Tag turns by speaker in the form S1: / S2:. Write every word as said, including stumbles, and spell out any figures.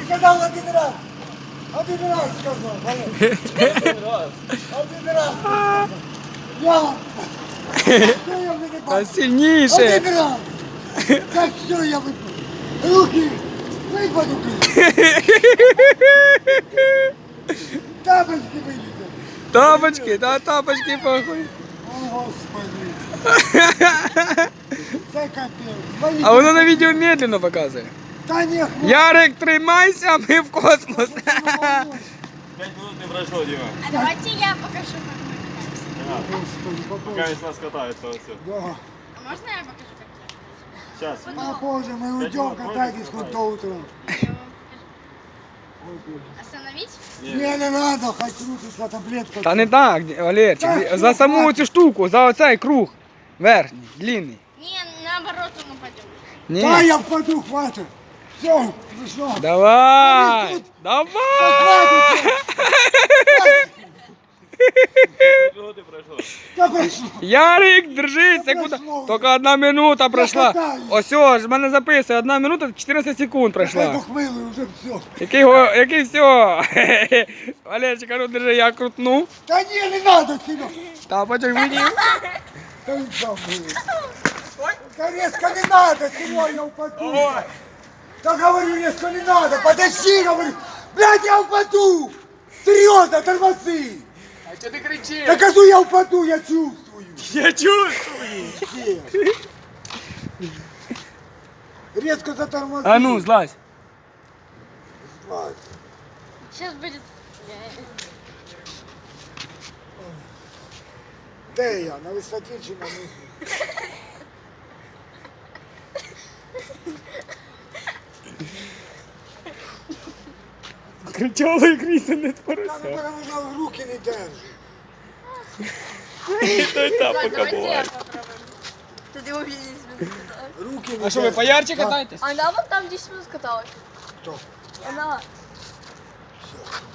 S1: сказал один раз. Один раз сказал, Валер.
S2: Один раз.
S1: Один раз. Я. Все, я
S3: Та
S1: выкупаю.
S3: сильніше.
S1: Один раз. Так, все, я выпал. Руки. Выпаду, блин. Тапочки вылетели.
S3: Тапочки, та тапочки похуй.
S1: О, Господи. Це капець.
S3: А воно на відео медленно показує.
S1: Та ні, хлопці.
S3: Ярик, тримайся, ми в космос.
S2: Пять минут не прошло, Дима.
S4: А давайте я покажу, как мы катаемся.
S2: Ага.
S1: Господи,
S2: Пока
S1: попозже.
S2: весь нас катается вот все.
S1: Да.
S4: А можно я покажу, как я?
S2: Сейчас.
S1: Попозже мы уйдем катайтесь хоть до утра.
S4: Я вам покажу. Остановить?
S1: Не, не надо, хоть крутиться таблетку.
S3: Та не так, Валерчик, за саму цю штуку, за оцей круг. Верхній, длинний.
S4: Не, наоборот он упадет.
S3: Ні.
S1: Да, я впаду, хватит. Все, пришло.
S3: Давай! Давай!
S2: Минуты прошло.
S1: Да пришло.
S3: Ярик, держись, секунда. Тільки одна минута пройшла.
S1: катаюсь.
S3: Ось, ось, в мене записує, одна минута, чотирнадцять секунд
S1: Я
S3: пройшла.
S1: дохмылый уже все.
S3: Який, го- який все? Валерчик, а ну держи, я крутну.
S1: Да не, не надо сюда.
S3: Тапочок видів.
S1: Да и сам будет. Да резко не надо, Серега, я упаду. Да говорю, резко не надо, подожди, говорю. Блядь, я упаду. Серьезно, тормози.
S3: А чого ти кричиш?
S1: Да кажу, я упаду, я чувствую.
S3: Я чувствую.
S1: Где? Резко затормози.
S3: А ну, злазь.
S1: Злазь.
S4: Сейчас будет...
S1: Де я? На висоті чи на низу?
S3: Кричали, кріси не
S1: Та
S3: творися.
S1: ну мене вже руки не держить.
S3: Той тапок
S4: Давайте я
S3: буває.
S4: попробую. Ты увидишь.
S1: Руки не
S3: А що, ви
S1: держать.
S3: поярче
S1: А,
S3: катаєтесь?
S4: Она вот там десять минут каталась.
S1: Кто?
S4: Она.
S1: Всё.